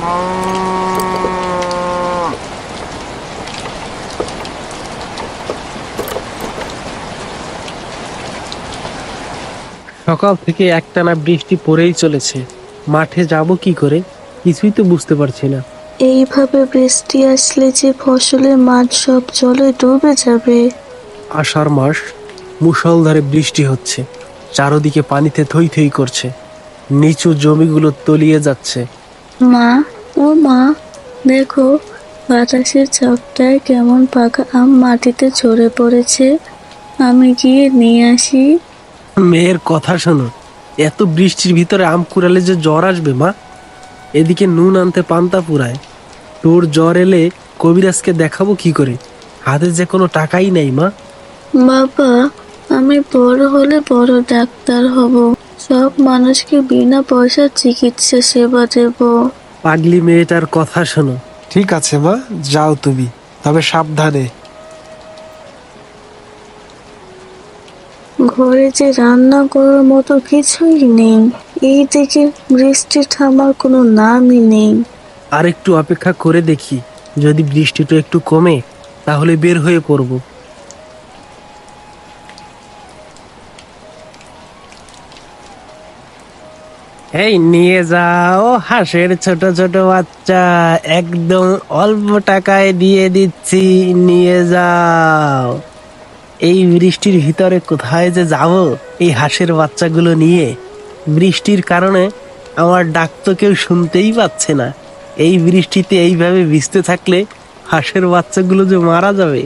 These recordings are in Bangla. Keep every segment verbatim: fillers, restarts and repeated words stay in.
সকাল থেকে একটানা বৃষ্টি পড়েই চলেছে, মাঠে যাব কি করে কিছুই তো বুঝতে পারছি না। এইভাবে বৃষ্টি আসলে যে ফসলের মাঠ সব জলে ডুবে যাবে। আষাঢ় মাস, মুষলধারে বৃষ্টি হচ্ছে, চারদিকে পানিতে থই থই করছে, নিচু জমিগুলো তলিয়ে যাচ্ছে। মা, ও মা, দেখো বাতাসের ঝাপটায় কেমন পাকা আম মাটিতে ঝরে পড়েছে। আমি গিয়ে নিয়ে আসি। মেয়ের কথা শোনো, এত বৃষ্টির ভিতরে আম কুড়ালে যে জ্বর আসবে মা। এদিকে নুন আনতে পান্তা পুরায়, তোর জ্বর এলে কবিরাজকে দেখাবো কি করে? হাতে যে কোনো টাকাই নেই মা। বাবা, আমি বড় হলে বড় ডাক্তার হব, সব মানুষকে বিনা পয়সা চিকিৎসা সেবা দেব। পাগলি মেয়েটার কথা শোনো। ঠিক আছে মা, যাও তুমি, তবে সাবধানে। ঘরে যে রান্না করার মতো কিছুই নেই, এই দিকে বৃষ্টি থামার কোনো নামই নেই। আর একটু অপেক্ষা করে দেখি, যদি বৃষ্টিটা একটু কমে তাহলে বের হয়ে পড়ব। এই নিয়ে যাও হাঁসের ছোট ছোট বাচ্চা, একদম অল্প টাকায় দিয়ে দিচ্ছি, নিয়ে যাও। এই বৃষ্টির ভিতরে কোথায় যে যাব এই হাঁসের বাচ্চাগুলো নিয়ে? বৃষ্টির কারণে আমার ডাক তো কেউ শুনতেই পাচ্ছে না। এই বৃষ্টিতে এইভাবে ভিজতে থাকলে হাঁসের বাচ্চাগুলো যে মারা যাবে।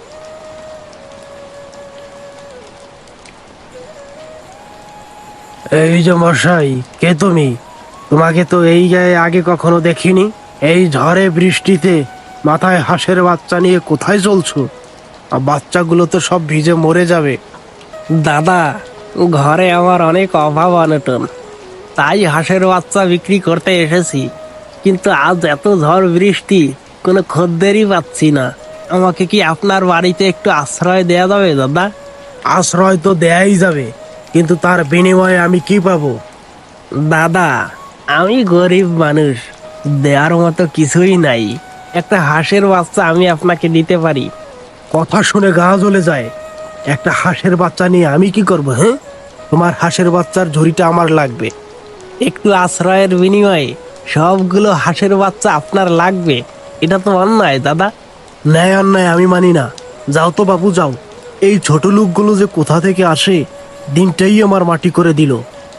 এই যে মশাই, কে তুমি? তোমাকে তো এই গায়ে আগে কখনো দেখিনি। এই ঝড়ে বৃষ্টিতে মাথায় হাঁসের বাচ্চা নিয়ে কোথায় চলছো? আর বাচ্চাগুলো তো সব ভিজে মরে যাবে। দাদা, ঘরে আমার অনেক অভাব অনটন, তাই হাঁসের বাচ্চা বিক্রি করতে এসেছি। কিন্তু আজ এত ঝড় বৃষ্টি, কোনো খদ্দেরই পাচ্ছি না। আমাকে কি আপনার বাড়িতে একটু আশ্রয় দেয়া যাবে দাদা? আশ্রয় তো দেয়াই যাবে, কিন্তু তার বিনিময়ে আমি কি পাবো? দাদা, আমি গরিব মানুষ, দেওয়ার মতো কিছুই নাই। একটা হাঁসের বাচ্চা আমি আপনাকে দিতে পারি। কথা শুনে গা জ্বলে যায়। একটা হাঁসের বাচ্চা নিয়ে আমি কি করবো? হ্যাঁ, তোমার হাঁসের বাচ্চার ঝুড়িটা আমার লাগবে। একটু আশ্রয়ের বিনিময়ে সবগুলো হাঁসের বাচ্চা আপনার লাগবে, এটা তো অন্যায় দাদা। ন্যায় অন্যায় আমি মানি না। যাও তো বাবু, যাও। এই ছোট লোকগুলো যে কোথা থেকে আসে, দিনটাই আমার মাটি করে দিল।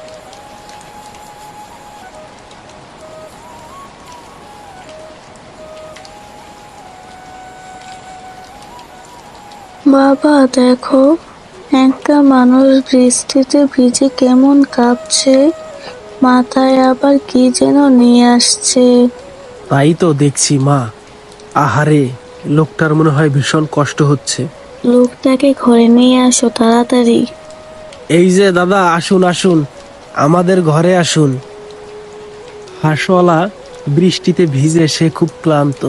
বাবা দেখো, একটা মানুষ বৃষ্টিতে ভিজে কেমন কাঁপছে, মাথায় আবার কি যেন নিয়ে আসছে। তাই তো দেখছি মা। আহারে, লোকটার মনে হয় ভীষণ কষ্ট হচ্ছে। লোকটাকে ঘরে নিয়ে আসো তাড়াতাড়ি। এই যে দাদা, আসুন আসুন, আমাদের ঘরে আসুন। হাঁসওয়ালা বৃষ্টিতে ভিজে সে খুব ক্লান্ত।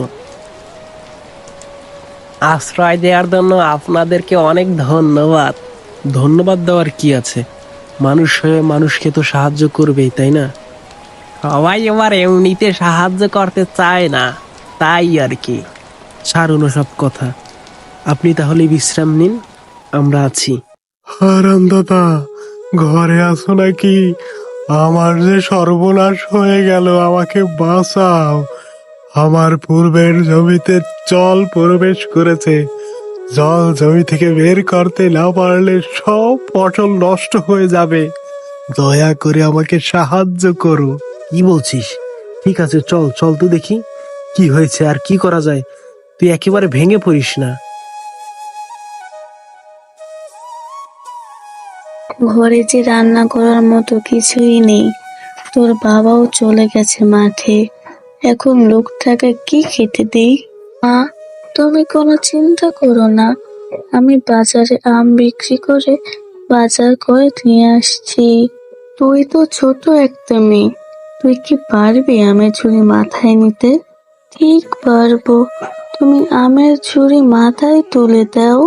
আশ্রয় দেওয়ার জন্য আপনাদেরকে অনেক ধন্যবাদ। ধন্যবাদ দেওয়ার কি আছে? মানুষ হয়ে মানুষকে তো সাহায্য করবেই, তাই না? সবাই এবার এমনিতে সাহায্য করতে চায় না, তাই আর কি। ছাড়ুন সব কথা, আপনি তাহলে বিশ্রাম নিন, আমরা আছি। হারাম দাদা, ঘরে আসো নাকি? আমার যে সর্বনাশ হয়ে গেল, আমাকে বাঁচাও। আমার পূর্বের জমিতে জল প্রবেশ করেছে। জল জমি থেকে বের করতে না পারলে সব ফসল নষ্ট হয়ে যাবে। দয়া করে আমাকে সাহায্য করো। কি বলছিস? ঠিক আছে, চল চল তো দেখি কি হয়েছে আর কি করা যায়। তুই একেবারে ভেঙে পড়িস না। ঘরে যে রান্না করার মতো কিছুই নেই, তোর বাবাও চলে গেছে মাঠে, এখন লোকটাকে কি খেতে দিই? মা, তুমি কোনো চিন্তা করো না, আমি বাজারে আম বিক্রি করে বাজার করে নিয়ে আসছি। তুই তো ছোট একটা মেয়ে, তুই কি পারবি আমের ঝুড়ি মাথায় নিতে? ঠিক পারবো, তুমি আমের ঝুড়ি মাথায় তুলে দাও।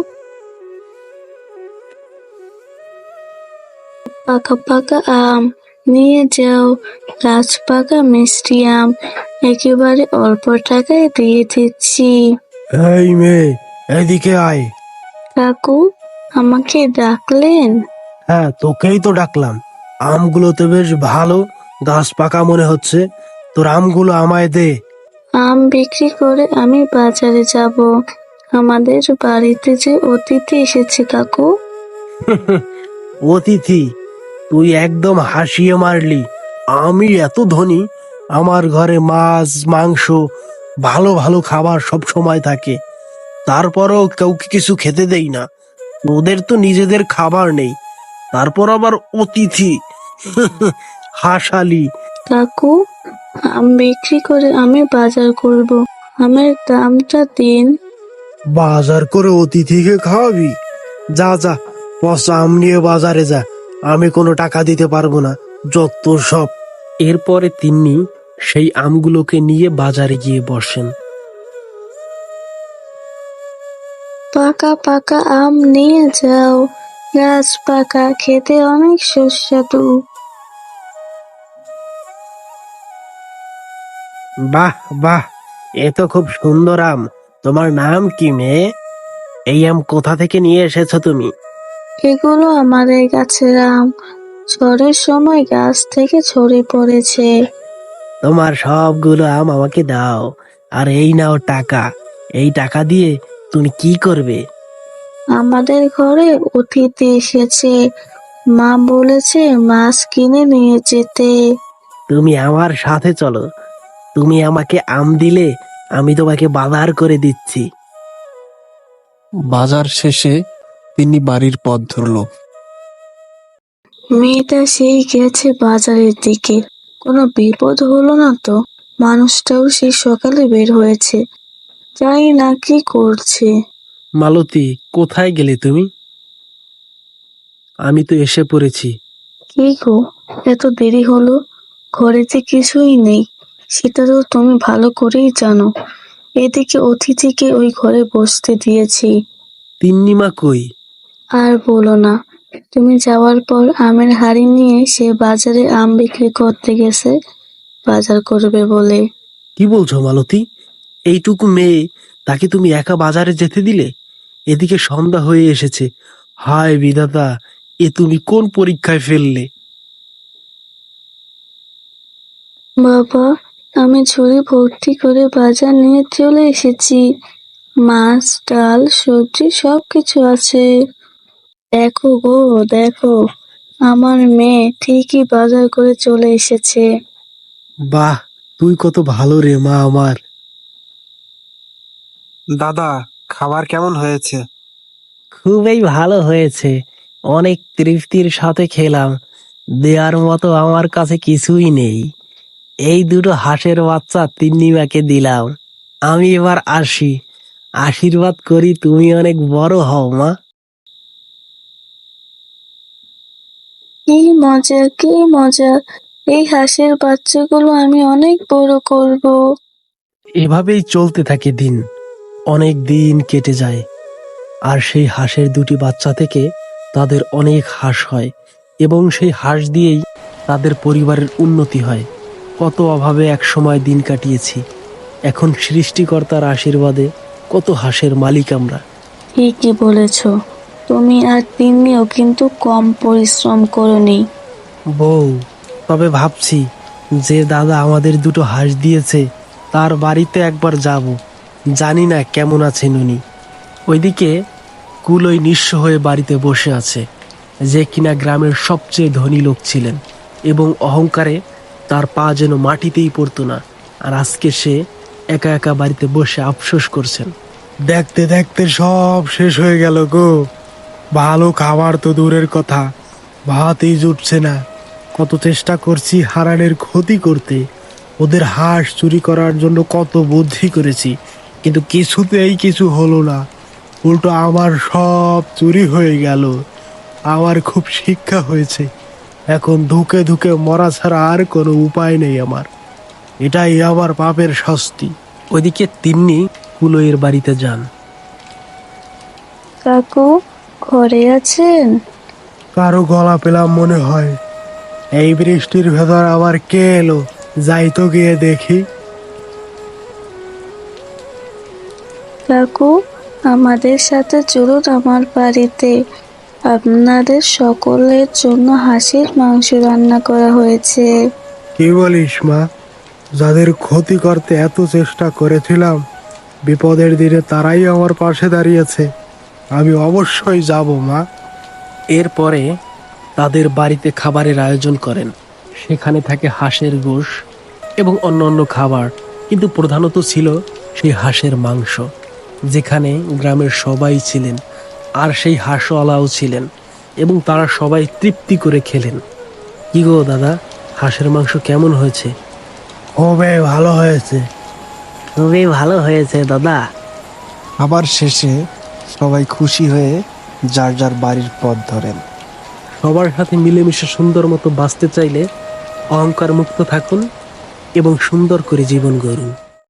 পাকা পাকা আম নিয়ে যাও, গাছ পাকা মিষ্টি আম, একেবারে অল্প টাকায় দিয়ে দিচ্ছি। এই মেয়ে, এদিকে আয়। কাকু, আমাকে ডাকলেন? হ্যাঁ, তোকেই তো ডাকলাম। আমগুলো তো বেশ ভালো, গাছ পাকা মনে হচ্ছে। তোর আমগুলো আমায় দে। আম বিক্রি করে আমি বাজারে যাব। আমাদের বাড়িতে যে অতিথি এসেছে কাকু। অতিথি? তুই একদম হাসিয়ে মারলি। আমি এত ধনী, আমার ঘরে মাছ মাংস ভালো ভালো খাবার সব সময় থাকে, তারপরও কাউকে কিছু খেতে দেই না। ওদের তো নিজেদের খাবার নেই, তারপর আবার অতিথি? হাসালি। কাকু, আম বিক্রি করে আমি বাজার করব। আমের দামটা দিন। বাজার করে অতিথিকে খাওয়াবি? যা যা, পচা আম নিয়ে বাজারে যা। আমি কোনো টাকা দিতে পারবো না, যত সব। এরপরে তিনি সেই আমগুলোকে নিয়ে বাজারে গিয়ে বসেন। পাকা পাকা আম নিয়ে যাও, গাছ পাকা, খেতে অনেক সুস্বাদু। বাহ বাহ, এ তো খুব সুন্দর আম। তোমার নাম কি মেয়ে? এই আম কোথা থেকে নিয়ে এসেছো তুমি? এগুলো আমাদের গাছের আম, ঝড়ের সময় গাছ থেকে ঝরে পড়েছে। তোমার সবগুলো আম আমাকে দাও, আর এই নাও টাকা। এই টাকা দিয়ে তুমি কি করবে? আমাদের ঘরে অতিথি এসেছে, মা বলেছে মাছ কিনে নিয়ে যেতে। তুমি আমার সাথে চলো। তুমি আমাকে আম দিলে আমি তোমাকে বাজার করে দিচ্ছি। বাজার শেষে তিনি বাড়ির পথ ধরল। মেয়েটা সেই গেছে বাজারের দিকে, কোনো বিপদ হলো না তো? মানুষটাও সেই সকালে বের হয়েছে, জানি না কি করছে। মালতী, কোথায় গেলে তুমি? আমি তো এসে পড়েছি। কি গো, এত দেরি হলো? ঘরে যে কিছুই নেই, সেটা তো তুমি ভালো করেই জানো। এদিকে অতিথিকে ওই ঘরে বসতে দিয়েছি। তিন্নিমা কই? আর বলো না, তুমি যাওয়ার পর আমের হাড়ি নিয়ে সে বাজারে আম বিক্রি করতে গেছে, বাজার করবে বলে। কি বলছো মালতী? এইটুকু মেয়ে, তাকে তুমি একা বাজারে যেতে দিলে? এদিকে সন্ধ্যা হয়ে এসেছে। হায় বিধাতা, এ তুমি কোন পরীক্ষায় ফেললে? বাবা, আমি ঝুড়ি ভর্তি করে বাজার নিয়ে চলে এসেছি। মাছ, ডাল, সবজি সবকিছু আছে। দেখো গো, দেখো, আমার মেয়ে ঠিকই বাজার করে চলে এসেছে। বাহ, তুই কত ভালো রে মা আমার। দাদা, খাবার কেমন হয়েছে? খুবই ভালো হয়েছে, অনেক তৃপ্তির সাথে খেলাম। দেওয়ার মতো আমার কাছে কিছুই নেই। এই দুটো হাঁসের বাচ্চা তিন্নিমাকে দিলাম। আমি এবার আসি। আশীর্বাদ করি তুমি অনেক বড় হও মা। কি মজা, কি মজা! এই হাঁসের বাচ্চাগুলো আমি অনেক বড় করব। এভাবেই চলতে থাকে দিন। অনেক দিন কেটে যায়, আর সেই হাঁসের দুটি বাচ্চা থেকে তাদের অনেক হাঁস হয়, এবং সেই হাঁস দিয়েই তাদের পরিবারের উন্নতি হয়। কত অভাবে এক সময় দিন কাটিয়েছি, এখন সৃষ্টিকর্তার আশীর্বাদে কত হাঁসের মালিক আমরা। ঠিকই বলেছ, তুমি আর তিন্নিও কিন্তু কম পরিশ্রম করনি। বউ, তবে ভাবছি যে দাদা আমাদের দুটো হাঁস দিয়েছে তার বাড়িতে একবার যাব। জানি না কেমন আছেন উনি। ওইদিকে কুলই নিঃস্ব হয়ে বাড়িতে বসে আছে, যে কিনা গ্রামের সবচেয়ে ধনী লোক ছিলেন, এবং অহংকারে তার পা যেন মাটিতেই পড়তো না। আর আজকে সে একা একা বাড়িতে বসে আফসোস করছেন। দেখতে দেখতে সব শেষ হয়ে গেল গো। ভালো খাবার তো দূরের কথা, ভাতই জুটছে না। কত চেষ্টা করছি হারানের ক্ষতি করতে, ওদের হাঁস চুরি করার জন্য কত বুদ্ধি করেছি, কিন্তু কিছুতেই কিছু হলো না। উল্টো আমার সব চুরি হয়ে গেল। আমার খুব শিক্ষা হয়েছে, এখন ধুকে ধুকে মরা ছাড়া আর কোনো উপায় নেই আমার। এটাই আমার পাপের শাস্তি। ওইদিকে তিন্নি কুলইয়ের বাড়িতে যান। কাকু, ঘরে আছেন? কারো গলা পেলাম মনে হয়। এই বৃষ্টির ভেতর আবার কে এলো? যাই তো গিয়ে দেখি। কাকু, আমাদের সাথে চলুন আমার বাড়িতে। আপনাদের সকলের জন্য হাঁসের মাংস রান্না করা হয়েছে। কি বলিস মা? যাদের ক্ষতি করতে এত চেষ্টা করেছিলাম, বিপদের দিনে তারাই আমার পাশে দাঁড়িয়েছে। আমি অবশ্যই যাব মা। এরপরে তাদের বাড়িতে খাবারের আয়োজন করেন। সেখানে থাকে হাঁসের গোশ এবং অন্যান্য খাবার, কিন্তু প্রধানত ছিল সেই হাঁসের মাংস, যেখানে গ্রামের সবাই ছিলেন আর সেই হাঁসওয়ালাও ছিলেন এবং তারা সবাই তৃপ্তি করে খেলেন। কি গো দাদা, হাঁসের মাংস কেমন হয়েছে? খুবই ভালো হয়েছে। খুবই ভালো হয়েছে দাদা। আবার শেষে সবাই খুশি হয়ে যার যার বাড়ির পথ ধরেন। সবার সাথে মিলেমিশে সুন্দর মতো বাঁচতে চাইলে অহংকার মুক্ত থাকুন এবং সুন্দর করে জীবন গড়ুন।